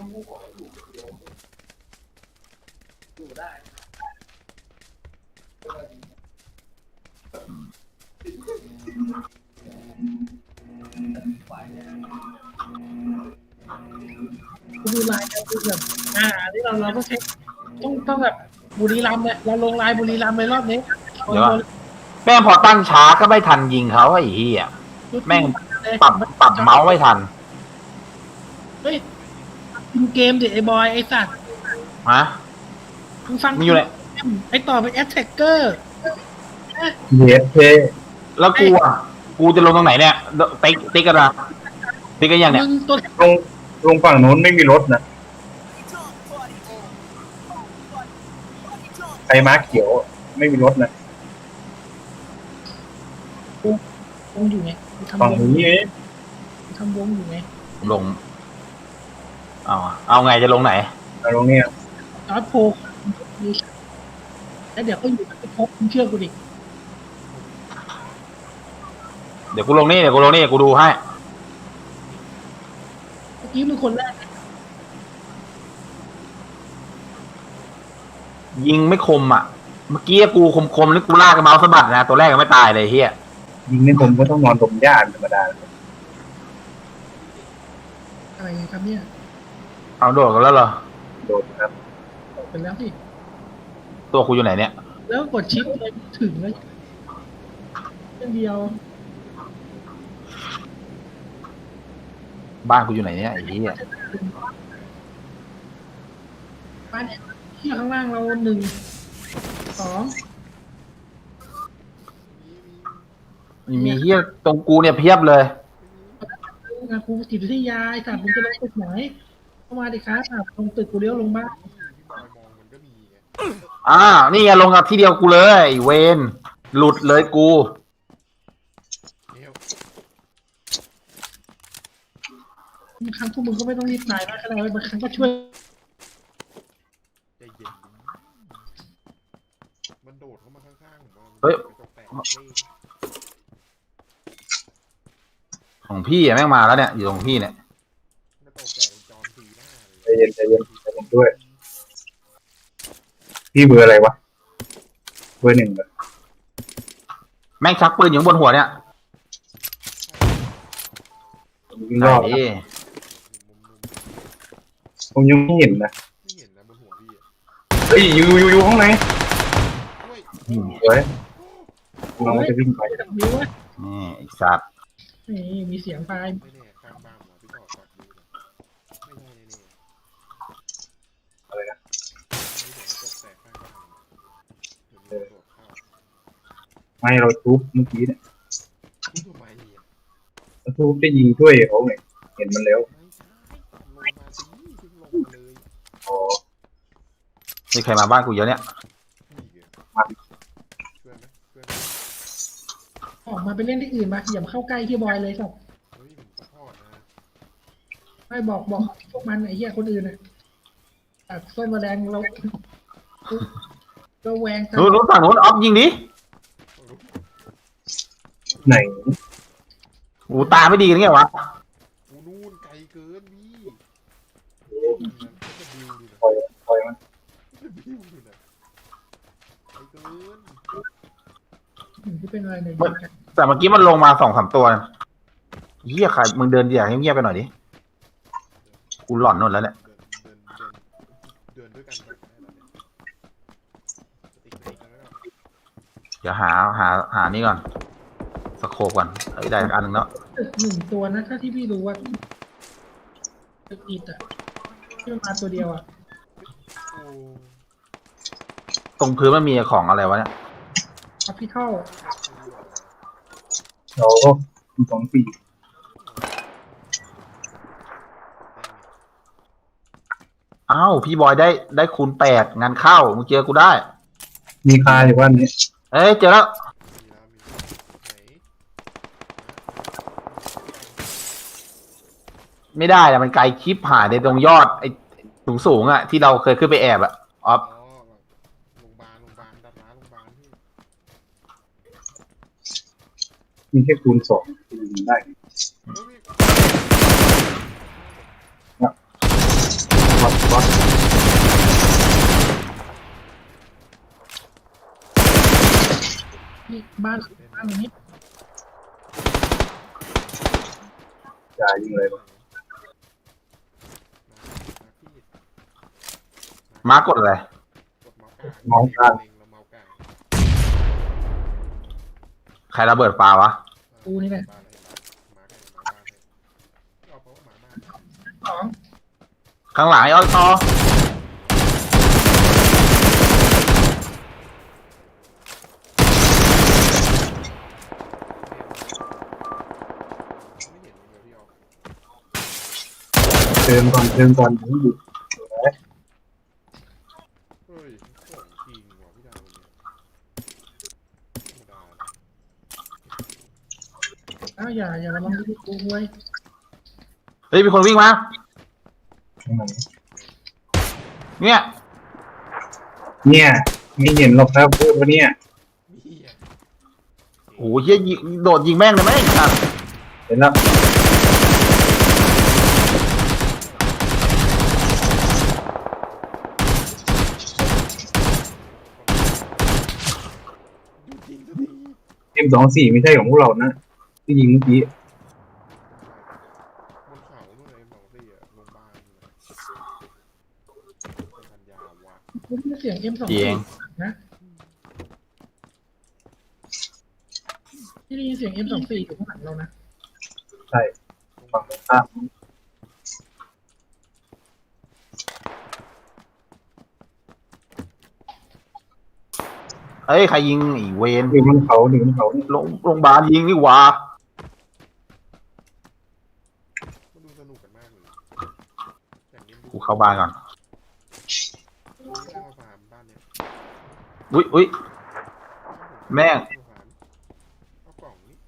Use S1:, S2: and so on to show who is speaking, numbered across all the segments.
S1: ดูลายกันแบบที่เราต้องเช็คต้องแบบบุรีรัมย์เนี่ยเราลงลายบุรีรัมย์ไปรอบนี้
S2: เดี๋ยวแม่งพอตั้งช้าก็ไม่ทันยิงเขาไอ้เหี้ยแม่งปรับเมาส์ไม่ทัน
S1: เฮ้ยเกมดิไอ้บอยไอ้สัตว์
S2: ฮะ
S1: มึงฟัง
S2: มีอยู่เลย
S1: ไอ้ต่อเป็นแอตแทกเกอร์
S3: เยสเท
S2: แล้วกูจะลงตรงไหนเนี่ยติ๊กกันนะติ๊กกันยังเนี่ย
S3: ลงฝั่งโน้นไม่มีรถนะไอ้ม้าเขียวไม่มีรถนะ
S1: วงอยู่ไง
S3: ฝั่งนี้
S1: ทำวงอยู่ไง
S2: ลงเอาไงจะลงไหน
S3: ลงเนี่ย
S1: จอร์จโพแล้วเดี๋ยวก็อยู่กับพบเชื่อกูดิ
S2: เดี๋ยวกูลงนี่กูดูให้
S1: เมื่อกี้มึงคนแรก
S2: ยิงไม่คมอ่ะเมื่อกี้กูคมแล้วกูลากกับเมาส์สะบัดนะตัวแรกก็ไม่ตายเลยเฮีย
S3: ยิงในผมก็ต้องนอนดมหญ้าธรรมดา
S1: อะไรครับเนี่ย
S2: เอาโดดกันแล้วเหรอ
S3: โดดครับ
S1: เป็นแล้วสิ
S2: ตัวกูอยู่ไหนเนี่ย
S1: แล้วกดชิปเลยถึงเลยเรื่องเดียว
S2: บ้านกูอยู่ไหนเนี่ยไอ้เหี้ย
S1: บ้านที่ข้างล่างเรา1 2
S2: มีเหี้ยตรงกูเนี่ยเพียบเลย
S1: ครูจิตวิทยาไอ้สัตว์มึงจะลงตึกไหนเข้ามาดิครับลงตึกกูเลี้ยวลงบ้าน
S2: นี่ไงลงกับที่เดียวกูเลยเวนหลุดเลยกู
S1: บางครั้งพวกมึงก็ไม่ต้องรีบตายนะอะไรบางครั้งก็ช่วย
S4: ใจเย็นมันโดดเข้ามาข้างๆ
S2: เฮ้ยของพี่แม่งมาแล้วเนี่ยอยู่ตรงพี่เนี่ย
S3: ใจเย็นด้วยพี่เบอร์อะไรวะเบอร์1เลย
S2: แม่งชักปืนอยู่บนหัวเนี่ย
S3: ยิงรอบผมยังไม่เห็นนะ
S4: บนหัวพี่
S3: เฮ้ยอยู่ข้างในเฮ้ยเราจะวิ่งไป
S2: นี่ไอ้สัตว์
S1: นี่มีเสียงไฟ
S4: ไม่แน่ข้างบ้านพี่ต่อตัดดูไม่ใช่
S3: อะไรนะไม่เราทุบเมื่อกี้เนี่ยทุบจะยิงช่วยเขาไงเห็นมันแล้ว
S2: มีใครมาบ้านกูเยอะเนี่ย
S1: ออกมาไปเล่นที่อื่นมาอย่าเข้าใกล้ที่บอยเลยครับไม่บอกพวกมันไอ้เหี้ยคนอื่นน่ะตัดส้นแมลงเราแวงกัน
S2: นู้นฝั่งนู้นออฟยิงดิ
S3: ไหน
S2: ตาไม่ดีกันไงวะ
S4: นู่นไกลเกินพี่
S3: ปล่อยมัน
S1: ที่เป็นอะไรเนี่ย
S2: แต่เมื่อกี้มันลงมา2-3 ตัวเหี้ยใครมึงเดินอย่างเงียบๆไปหน่อยดิกูหลอนนนแล้วเนี่ย
S4: เดินด้วยกัน
S2: เดี๋ยวหานี่ก่อนสโคปก่อนได้อันนึงเนาะ
S1: 1 ตัวนะถ้าที่พี่รู้ว่าตึกอิฐที่มันมาตัวเดียว
S2: ตรงพื้นมันมีของอะไรวะเนี่ย
S1: คาพิทัล
S3: เราก็2 4
S2: พี่บอยได้คูณ8งานเข้ามึงเจอกูได้
S3: มีคาอยู่บ้านนี้
S2: เจอแล้วไม่ได้อะมันไกลคลิปหายในตรงยอดไอ้สูงที่เราเคยขึ้นไปแอบออฟ
S4: โรงพยาบาลดัดร้านโรงพยาบาล
S3: มีแค่คูณ2ได้
S1: นี่บ้านหลังนี้
S3: จ่ายยิงเลย
S2: ม้ากดอะไร
S3: มองกลาง
S2: ใครระเบิดปลาวะ
S1: กูนี่แหละสอง
S2: ข้างหลังไอ้อ้อยต่อ
S3: เติมก่อนผมอยู่
S4: เฮ้ยของจริงว่ะพี่ดาวเนี่ยธรรมดา
S1: อ้าวอย่ามาลองดูกูไว้
S2: เฮ้ยมีคนวิ่งมาเนี่ย
S3: เนี่ยไม่เห็นหรอกครับพูดว่าเนี่ย
S4: พี่อ่ะ
S2: โอ้โหเฮียยิงโดดยิงแม่งเลยไหมอ่ะ
S3: เห็นแล้ว
S4: ดูจริงสักที
S3: M24ไม่ใช่ของพวกเรานะที่ยิงเมื่อกี้
S4: บนเขาเมื่อไหร่บอกสิอ่ะโรงพยาบาลเป็นพันยาวะ
S1: กูได้ยินเสียง M24
S2: เจียง
S1: นะที่ได้ยินเสียง M24 อยู่ข้างหลังเรานะ
S3: ใช่ฝั่งตรงข้าม
S2: เอ้ยใครยิงอีเวน
S3: อยู่บนเขานี่
S2: โรงพยาบาลยิงนี่หว่า
S4: มันดูสนุกกันมากเลยอย่างนี้
S2: กูเข้าบ้านก่อน
S4: ได้มาฟาร์มบ้านเนี่ย
S2: อุ้ย แม่ง
S4: เอากล่องนี้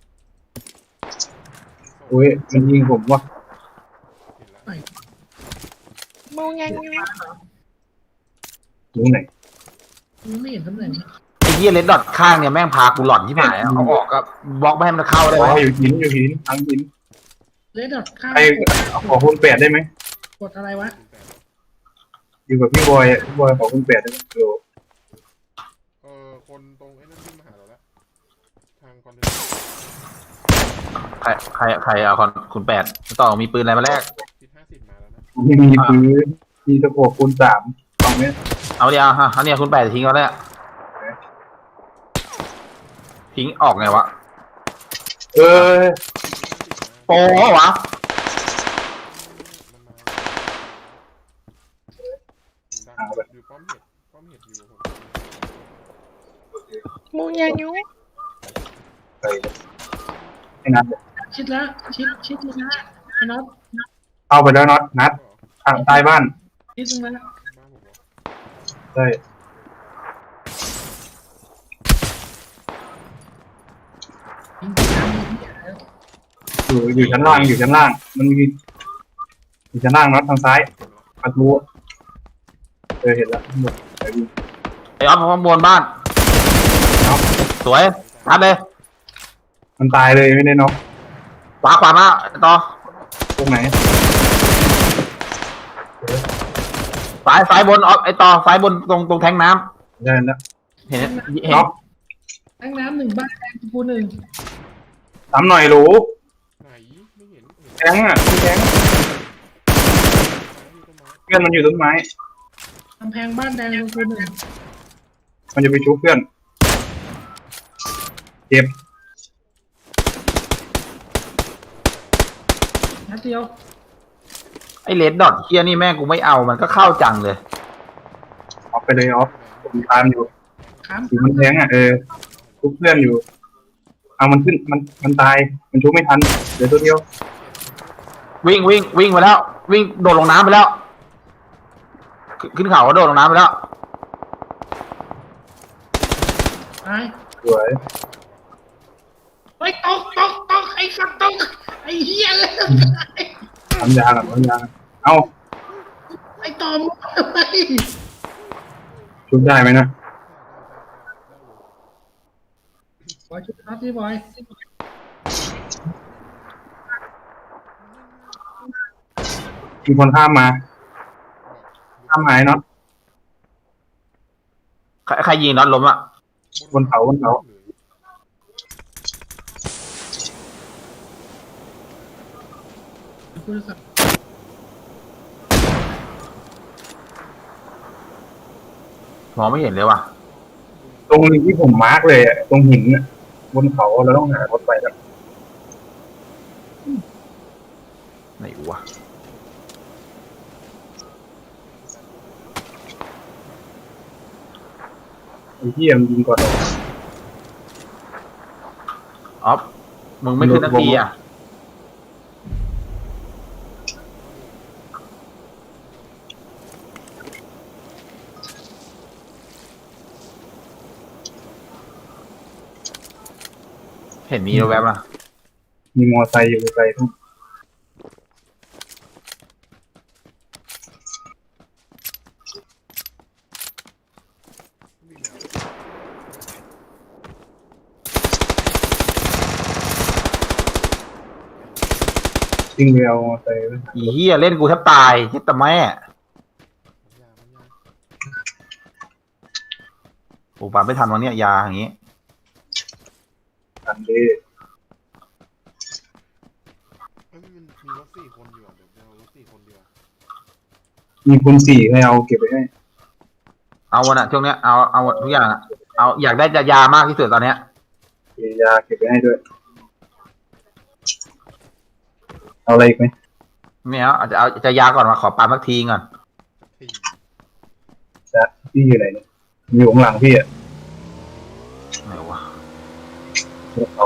S3: อุ้ยมันยิงผมว่ะ
S4: เห็นแล้ว
S1: มองยังไง
S3: ยิงไหน
S1: กูไม่เห็นตำแหน่ง
S2: ไอ้เฮียเลดดอทข้างเนี่ยแม่งพากูหลอนที่หายเอาออกก็บล็อกไม่ให้มันเข้าได้
S3: อ๋
S2: ไหม
S3: ออยู่หินทางหิน
S1: เลดดอทข้าง
S3: ใครขอคุณ8ได้ไหม
S1: กดอะไรวะ
S3: อยู่กับพี่บอยพี่บอยขอคุณ8ได้ไหมโล
S4: คนตรงไอ้นั่นที่มาหาเราแล้วทางคอนเทนเนอร์
S2: ใครเอาคุณแปดต่อมีปืนอะไรมาแลก
S4: ทิศ50มาแล้วนะ
S3: ไม่มีปืนมีตะโขบคูณ3ตรงนี้
S2: เอาเดียวฮะเอาเนี่ยคุณแปดทิ้งเอาแล้วทิ้งออกไงวะ
S3: เออ
S2: โป้วะ
S4: มันมาอยู่ป้อมเห็ดอยู่ผม
S1: มองยังอยู่
S3: ไปให้นัด
S1: ชิดแล้วชิดแล้วไอ้น็อต
S3: เข้าไปแล้วน็อตนัดทางใต้บ้าน
S1: ชิดตรงนั้น
S4: บ้านผมบอก
S3: ใช่
S1: ยิงไปทางนี้
S3: อยู่ชั้นล่างมันมีอยู่ชั้นล่างน็อตทางซ้ายประตูเห็นแล้วหมดไปดู
S2: ไอ้ออฟข้างบนบ้านสวยทัดเลย
S3: มันตายเลยไม่ได้น็อก
S2: ขวามาต่อ
S3: ตรงไหน
S2: ซ้ายบนออฟไอ้ต่อซ้ายบนตรงแทงน้
S3: ได้แล้ว
S2: ำเห็น
S3: น็อก
S1: แทงน้ำหนึ่งบ้านแทงกูหนึ่ง
S3: ตามหน่อยหรู
S4: ไหนไม่เห็น
S3: แทงอ่ะแทง
S4: ที่ต้นไม้
S3: เพื่อนมันอยู่ต้นไม้
S1: กำแพงบ้านแดงกูหนึ่ง
S3: มันจะไปชุบเพื่อนเจ็บ
S1: นัดเดียว
S2: ไอ้เลดดอทเฮียนี่แม่งกูไม่เอามันก็เข้าจังเลย
S3: ออกไปเลยออฟผมตามอยู่
S1: ข้าม
S3: อยู่มันแทงอ่ะชุบเพื่อนอยู่เอามันขึ้นมันตายมันชุบไม่ทันเดี๋ยวตัวเดียว
S2: วิ่งไปแล้ว วิ่งโดดลงน้ำไปแล้วขึ้นเขาก็โดดลงน้ำไปแล้ว
S1: ตาย
S3: สวย
S1: เฮ้ยตกไอ้สัตว์ตกไอ้เหี้ยเลย
S3: ทำยาเอา
S1: ไอ้ตอมไอ้
S3: ชุบได้ไหมนะ
S1: บอยชุดน็อตพี่บอย
S3: มีคนข้ามมาหายน็อต
S2: ใครยิงน็อตล้มอ่ะ
S3: บนเขา
S1: คุณสัก
S2: มองไม่เห็นเลยว่ะ
S3: ตรงที่ผมมาร์กเลยอะตรงหินน่ะบนเขาเราต้องหารถไปแล้ว
S2: ไหนวะ
S3: ไอ้ที่มันยิงก่อนเรา
S2: ออฟมึงไม่ขึ้นนาทีอ่ะเห็นมีแวบๆนะ
S3: มีมอไซค์อยู่ไกลๆทั้ง
S4: วิ่งแนว
S3: วิ่งไปเอามอไซค์ไป
S2: อีเหี้ยเล่นกูแทบตายเฮ็ดแต่แม่
S4: มันยา
S2: โอ้ปาไม่ทันวันเนี้ยยาอย่างงี้
S3: ทันดี
S4: เฮ้ยมันมีรถ4 คนอยู่อ่ะเดี๋ยวเอารถ4 คนเดียว
S3: มีคูณ4ให้เอาเก็บไปให้
S2: เอาวันอ่ะช่วงเนี้ยเอาหมดทุกอย่างอะเอาอยากได้ยามากที่สุดตอนเนี้ย
S3: มียาเก็บไปให้ด้วย เอาอะไรอีกไหม
S2: ไม่เอาจะยาก่อนมาขอปาสักทีก่อน
S4: ที
S3: จะพี่อยู่ไหนเนี่ยอยู่ข้างหลังพี่อ่ะ
S2: ไหนวะ
S3: เอา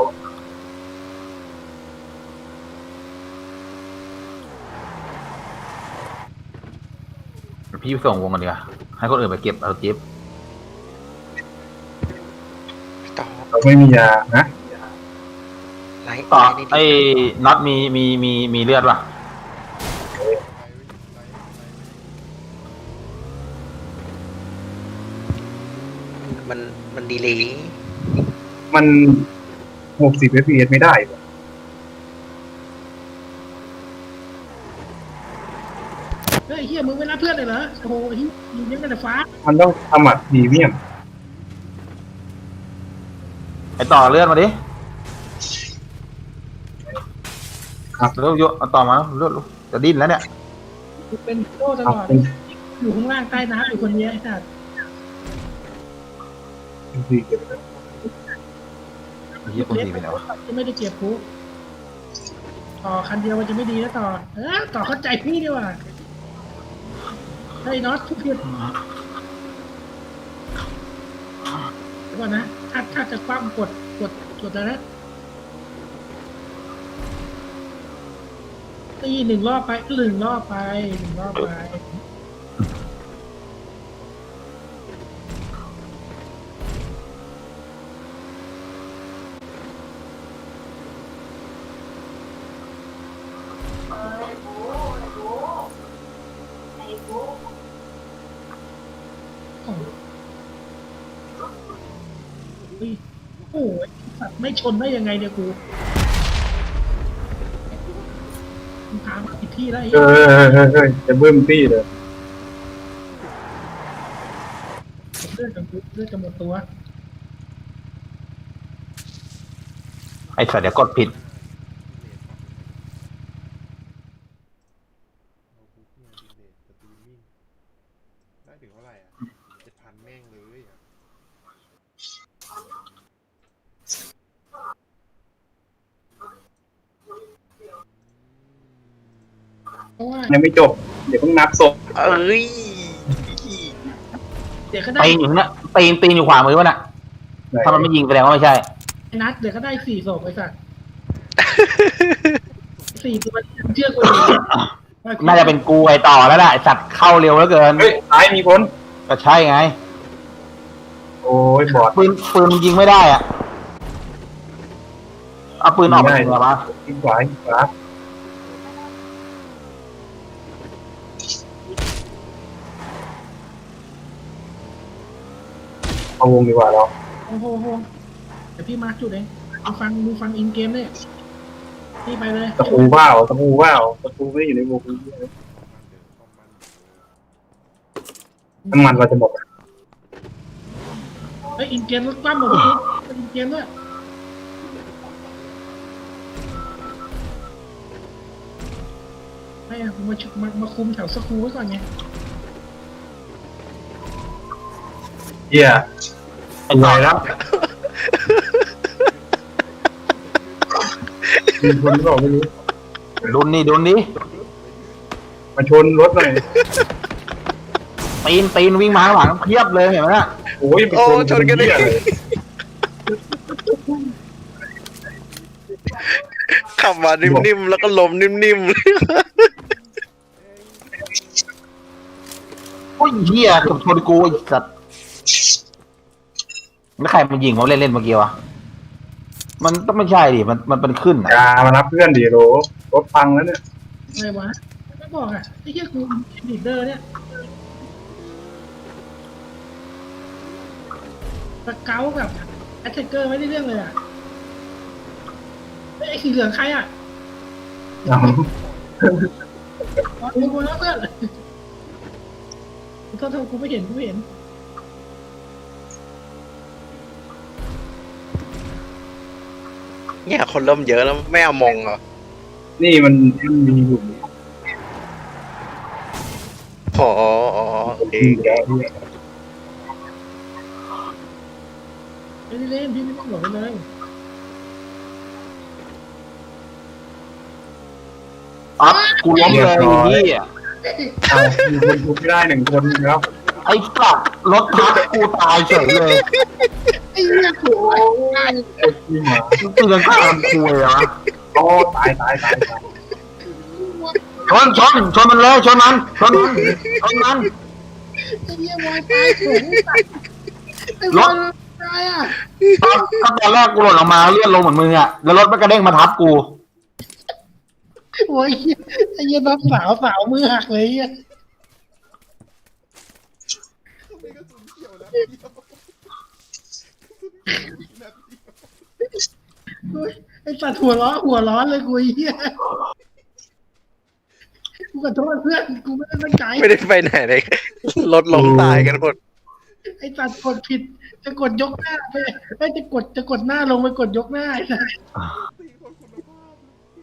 S2: พี่ส่งวงกันดีกว่าให้คนอื่นไปเก็บเอาจิ๊บ
S5: ต่อ
S3: เราไม่มียานะ
S5: ไลท์
S2: ต่อ
S5: ไลท์ใน
S2: ไอ้
S5: ดี
S2: น็อตมีเลือดป่ะ
S5: มันดีเลย
S3: มัน60 fps ไม่ได้ว่ะ
S1: เฮ้ยเฮียมึงไม่รับเพื่อนเลยเหรอโอ้โหเฮียยิงกันแต่ฟ้า
S3: มันต้องทำอัดพรีเมียม
S2: ไอ้ต่อเลือดมาดิ
S3: ครับ
S2: เลือดเยอะเอาต่อมาเลือดลูกจะดิ้นแล้วเนี่ย
S1: กูเป็นโต้ต
S3: เอา
S1: ลอด
S3: เป็น
S1: อยู่ข้างล่างใต้น้ำอยู่คนเดียวไอ้สัส
S3: สี่เก็บไป
S2: ไอ้เหี้ยคนดีไปไหนวะ
S1: จะไม่ได้เก็บกูต่อคันเดียวมันจะไม่ดีแล้วต่อต่อเข้าใจพี่ดีกว่าเฮ้ยน็อตทุกทีเดี๋ยวก่อนนะถ้าจะคว่ำกดแล้วนะตีหนึ่งรอบไปหนึ่งรอบไปหนึ่งรอบไป โอ้ยโอ้ยสัตว์ไม่ชนได้ยังไงเนี่ยกูมึงพามาผิดที่แล้วไอ้
S3: จะเบิ่มตี้เลย
S1: เลือดกับกูเลือดจะหมดตัว
S2: ไอ้สัตว์เดี๋ยวกดผิด
S4: ได้ถึงเท่าไหร่อ่ะ7,000แม่งเลยอ่ะ
S1: เพราะว่า
S3: ยังไม่จบ เดี๋ยวต้องนับศพ
S5: เอ้ย
S1: เดี๋ยวก็ได้
S2: ปีนอยู่เนี่ยปีนอยู่ขวามือวะน่ะถ้ามันไม่ยิงแสดงว่าไม่ใช่
S1: นัดเดี๋ยวก็ได้4 ศพไอ้สัตว์4 ตัวเชื่อกูดิ
S2: น่าจะเป็นกูไอ้ต่อแล้วแหละไอ้สัตว์เข้าเร็วเหลือเกิน
S3: เฮ้ยซ้ายมีคน
S2: ก็ใช่ไง
S3: โอ้ยบอด
S2: ปืนยิงไม่ได้อ่ะเอาปืนออกมายิงเหรอวะ
S3: ทิศขวาทิศขวาเอาวงดีกว่าเรา
S1: โอ้โหเดี๋ยวพี่มาร์คจุดเองดูฟังอินเกมเนี่ยพี่ไปเลย
S3: ตะปูว่าวตะปูว่าวตะปูไม่ได้อยู่ในวงน้ำมันเราจะหมด
S1: เฮ้ยอินเกมรถคว่ำหมดเลยอินเกมด้วยไม่อะมาคุมแถวสกรูไว้ก่อนไง
S3: เฮียรวยแล้วมีคนบอกไม่รู้
S2: ดุนนี่ดุนนี่
S3: มาชนรถหน่อย
S2: ตีนวิ่งมาข้างหลังเพียบเลยเห็นไหมน่ะ
S3: โอ้ยไปชนกันเลย
S5: ขับมานิ่มๆแล้วก็ลมนิ่ม
S2: โอ้ยเหี้ยเกับชนกูไอ้สัตว์แล้วใครมันยิงเขาเล่นเมื่อกี้วะมันต้องไม่ใช่ดิมันเป็นขึ้น
S3: กามารับเพื่อนดิโหลรถพังแล้วเนี่ย
S1: อะไรวะไม่บอกอ่ะไอ้เหี้ยกูลีดเดอร์เนี่ยสเกลกับแอตแทกเกอร์ไม่ได้เรื่องเลยอ่ะไอ้สีเหลืองใครอ่ะ
S3: เอา
S1: กูแล้วเพื่อนโทษกูไม่เห็น
S5: ๆเนี่ยคนเริ่มเยอะแล้วไม่เอามองเหรอ
S3: นี่มันมีอยู่
S5: อ๋อโอเค
S3: เยอะด้วย
S1: ไม่ได้เล่นพี่ไม่ต้องหลงไปเลย
S2: อ๊อฟกูล้มเลยไอ้เหี้ย
S3: เอามีคนทุบไม่ได้หนึ่งคนแล้ว
S2: ไอ้สัตว์รถทับกูตายเฉยเลย
S1: ไอ้เหี้ยกู
S3: ที่หมา
S2: กูเตือนข้ามกูเลยวะ
S3: โอ้ตาย
S2: ชนมันเลยชนมัน
S1: ไอ้เหี้ยวายตายสูงไอ้วายตายอ่ะ
S2: ก็ตอนแรกกูหล่นออกมาเลื่อนลงเหมือนมึงอ่ะแล้วรถมันกระเด้งมาทับกู
S1: โอ้ยไอ้เหี้ยน้องสาวมือหักเลยอ่ะ
S4: มีกระสุนเขียวแล้วเดียวกระสุนนัดเดียว
S1: ไอ้สัตว์หัวร้อนเลยกูไอ้เหี้ยกูขอโทษเพื่อนกูไม่ได้ตั้งใจ
S5: ไม่ได้ไปไหนเลยรถล้มตายกันหมด
S1: ไอ้สัตว์กดผิดจะกดยกหน้าไปไอ้จะกดหน้าลงไปกดยกหน้าไอ้สัตว์
S4: ตีคนคุณภาพ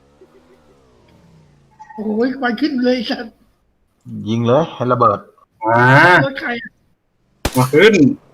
S1: โอ้ยควันขึ้นเลยไอ้สัตว์
S2: ยิงเลยให้ระเบิด
S3: มาร
S1: ถใครอะ
S3: มาขึ้น